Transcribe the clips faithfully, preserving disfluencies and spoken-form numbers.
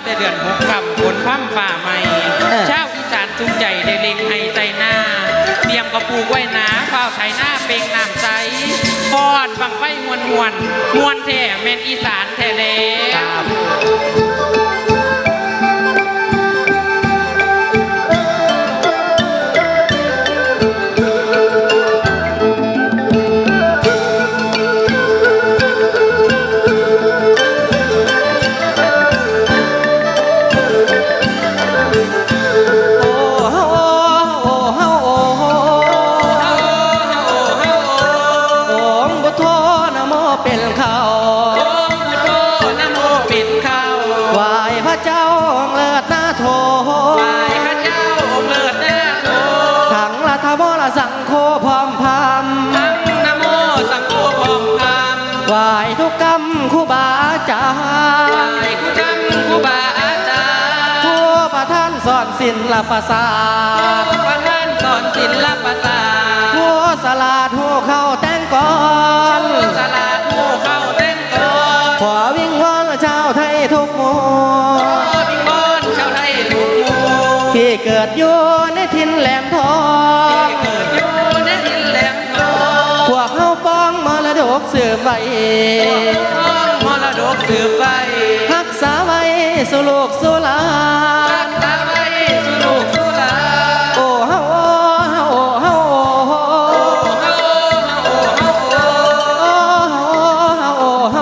แต่เดือนหกค่ำฝนพร่ำฝ่าใหม่ชาวอีสานจุงใจได้เล็งให้ใจหน้าเตรียมกระปูกไว้หนาเฝ้าไถหน้าเป่งน้ำใสฟอนบังไฟมวนมวนมวนแท้แม่นอีสานแท้แล้วสังโฆพร้อมพามทั้งนะโมสังโฆพร้อมพามไหว้ทุกกรรมครูบาอาจารย์ไหว้ครูกรรมครูบาอาจารย์ผู้ประท่านสอนศิลปศาสตร์ผู้ประท่านสอนศิลปศาสตร์ผู้สลาดผู้เข้าแต่งก่อนผู้สลาดผู้เข้าแต่งก่อนขอวิ่งวอนชาวไทยทุกหมู่ขอวิ่งวอนชาวไทยทุกหมู่ที่เกิดอยู่ในถิ่นแหลมทองที่เกิดอยู่ในถิ่นแหลมทองพวกเขาป้องมรดกสืบไว้ป้องมรดกสืบไว้รักษาไว้สู่ลูกสู่หลานรักษาไว้สู่ลูกสู่หลานโอ้เฮาโอ้เฮาโอ้เฮาโอ้เฮาโอ้เฮา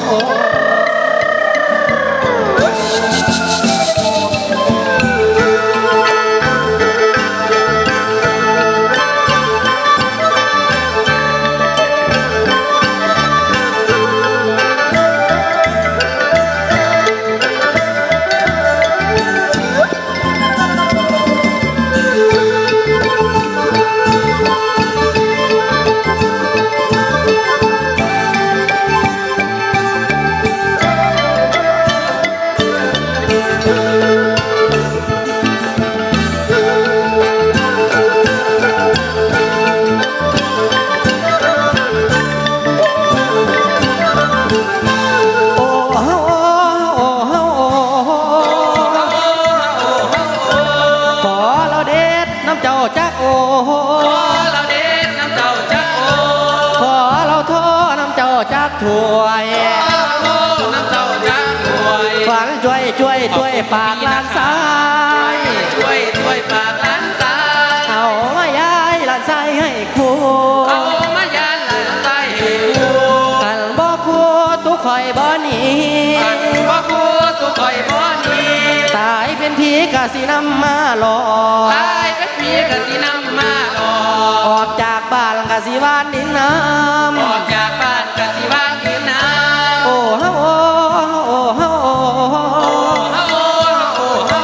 เจ้าจักโอขอเราเด็ดน้ำเจ้าจักโอขอเราโทน้ำเจ้าจักถวยขอน้ำเจ้าจักถวยฝันช่วยช่วยช่วยปากล้านซ้ายช่วยช่วยปากล้านซ้ายเอามาย้ายล้านซ้ายให้ครูเอามาย้ายล้านซ้ายให้ครูกันบ่ครูตุกคอยบ่หนีกันบ่ครูตุกคอยบ่หนีตายเป็นผีกะสินำมาหลอกตายเป็นผีกะสินำมาหลอกออกจากบ้านกะสิวานดินน้ำออกจากบ้านกะสิวานดินน้ำโอ้เฮาโอ้โอ้เฮาโอ้เฮาโอ้เฮา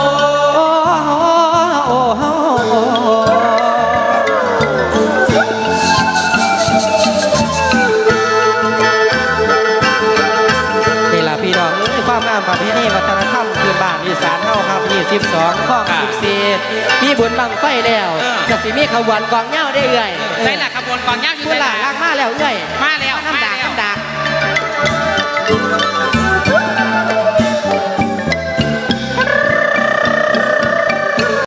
โอ้เฮานี่ล่ะพี่น้องความงามประเพณีวัฒนธรรมพื้นบ้านอีสานเฮาครับยี่สิบสองข้อสิบสี่มีบุญบังไฟแล้วก็สิมีขบวนกองเหย้าได้เอื่อยใช่แหละขบวนกองเหย้าอยู่ใช่แหละมาแล้วเอื่อยมาแล้วน้ำดากน้ำดาก